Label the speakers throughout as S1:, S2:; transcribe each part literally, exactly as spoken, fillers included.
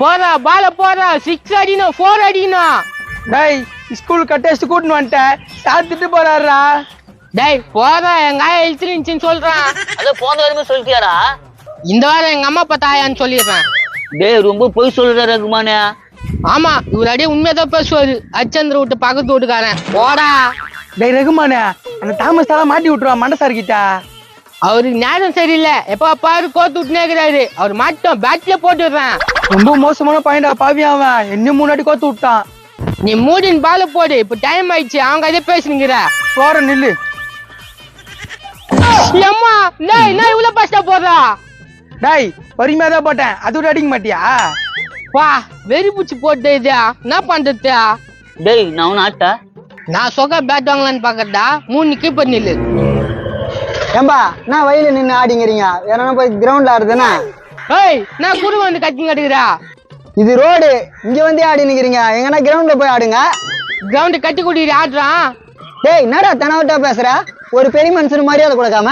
S1: போறா பால போறா சிக்ஸ் அடிக்கணும் ஃபோர் அடிக்கணும்.
S2: டேய் ஸ்கூல் கட்டேஸ்ட் கூட்டின்னு வந்துட்டேன் சார் திட்டு போறாருடா.
S1: டேய் போறா எங்க ஆயா இழுத்துருந்துச்சின்னு சொல்றான்.
S3: அது போன வரைக்கும் சொல்லிட்டியாடா?
S1: இந்த வாரம் எங்க அம்மா அப்பா தாயான்னு சொல்லிடுறேன்.
S3: டேய் ரொம்ப பொய் சொல்ற ரகுமானே.
S1: ஆமா இவர் அடியே உண்மையதான் பேசுவாரு. அச்சந்திர விட்டு பக்கத்து வீட்டுக்காரன் போடா.
S2: டேய் ரகுமானே அந்த தாமஸ் எல்லாம் மாட்டி விட்டுருவா மண்டசார் கிட்ட.
S1: அவருக்கு நேரம் சரியில்லை எப்ப பாரு கோத்து விட்டுனே இருக்கிறாரு. அவர் மாட்டோம் பேட்ல போட்டு விடுறேன்.
S2: ரொம்ப மோசமான பையன்டா பாவி அவன் என்ன முன்னாடி கோத்து விட்டான்.
S1: நீ மூடின் பால போடு இப்ப டைம் ஆயிடுச்சு. அவங்க அதே பேசுனீங்கிற
S2: போற நில்லு.
S1: அம்மா டேய் நான் இவ்வளவு பாஸ்டா போடுறா.
S2: டேய் பொறுமையா தான் போட்டேன் அது விட அடிக்க மாட்டியா?
S1: வா வெறி பூச்சி போட்டு இதா என்ன பண்றது?
S3: டேய் நான் உன ஆட்டா
S1: நான் சொக்க பேட் வாங்கலான்னு பாக்கறதா மூணு கீப்பர் நில்லு.
S2: ஏம்பா நான் வயல நின்று ஆடிங்கிறீங்க வேற போய் கிரவுண்ட்ல ஆடுதுன்னா?
S1: ஏய் நான் குரு வந்து கத்தி கட்டுக்கிறா.
S2: இது ரோடு இங்க வந்து ஆடி நிக்கிறீங்க எங்கன்னா கிரவுண்ட்ல போய் ஆடுங்க.
S1: கிரவுண்ட் கட்டி கூட்டிட்டு ஆடுறான்.
S2: டேய் என்னடா தனவட்டா பேசுற ஒரு பெரிய மனுஷன் மரியாதை கொடுக்காம.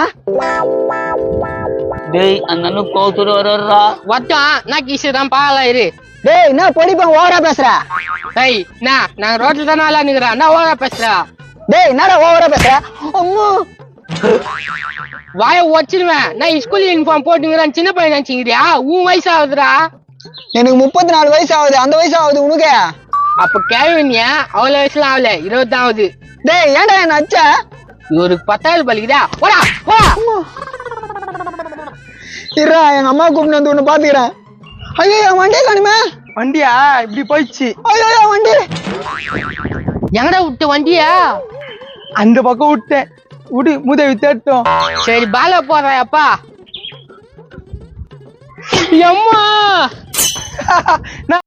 S3: டேய் அந்த அண்ணன் கோத்துட்டு வர்றா.
S1: வட்டம் நான் கீசுதான் பாலா இரு.
S2: டேய் என்ன பொடிப்பன் ஓவரா பேசுற?
S1: டேய் நான் நான் ரோட்ல தானே ஆளா நிக்கிறேன் நான் ஓவரா பேசுறா.
S2: டேய் என்னடா ஓவரா பேசுற? அம்மா
S1: வாய ஒச்சிருவேன். நான் ஸ்கூல் யூனிஃபார்ம் போட்டுங்கிறேன் சின்ன பையன் நினைச்சுக்கிறியா? உன் வயசு ஆகுதுடா.
S2: எனக்கு முப்பத்தி நாலு வயசு ஆகுது அந்த வயசு ஆகுது உனக்கு?
S1: அப்ப கேள்வினியா அவ்வளவு வயசுலாம் ஆகல இருபத்தி ஆகுது.
S2: டேய் ஏன்டா என்ன அச்ச?
S1: இவருக்கு பத்தாவது பலிக்குதா? போடா போடா.
S2: இருடா எங்க அம்மா கூப்பிட்டு வந்து ஒண்ணு பாத்துக்கிறேன். ஐயோ என் வண்டியை காணுமே. வண்டியா இப்படி போயிடுச்சு. ஐயோ வண்டி
S1: எங்கடா விட்டு வண்டியா?
S2: அந்த பக்கம் விட்டேன் விடு முதவி தேட்டும்.
S1: சரி பால போடுறாப்பா. அம்மா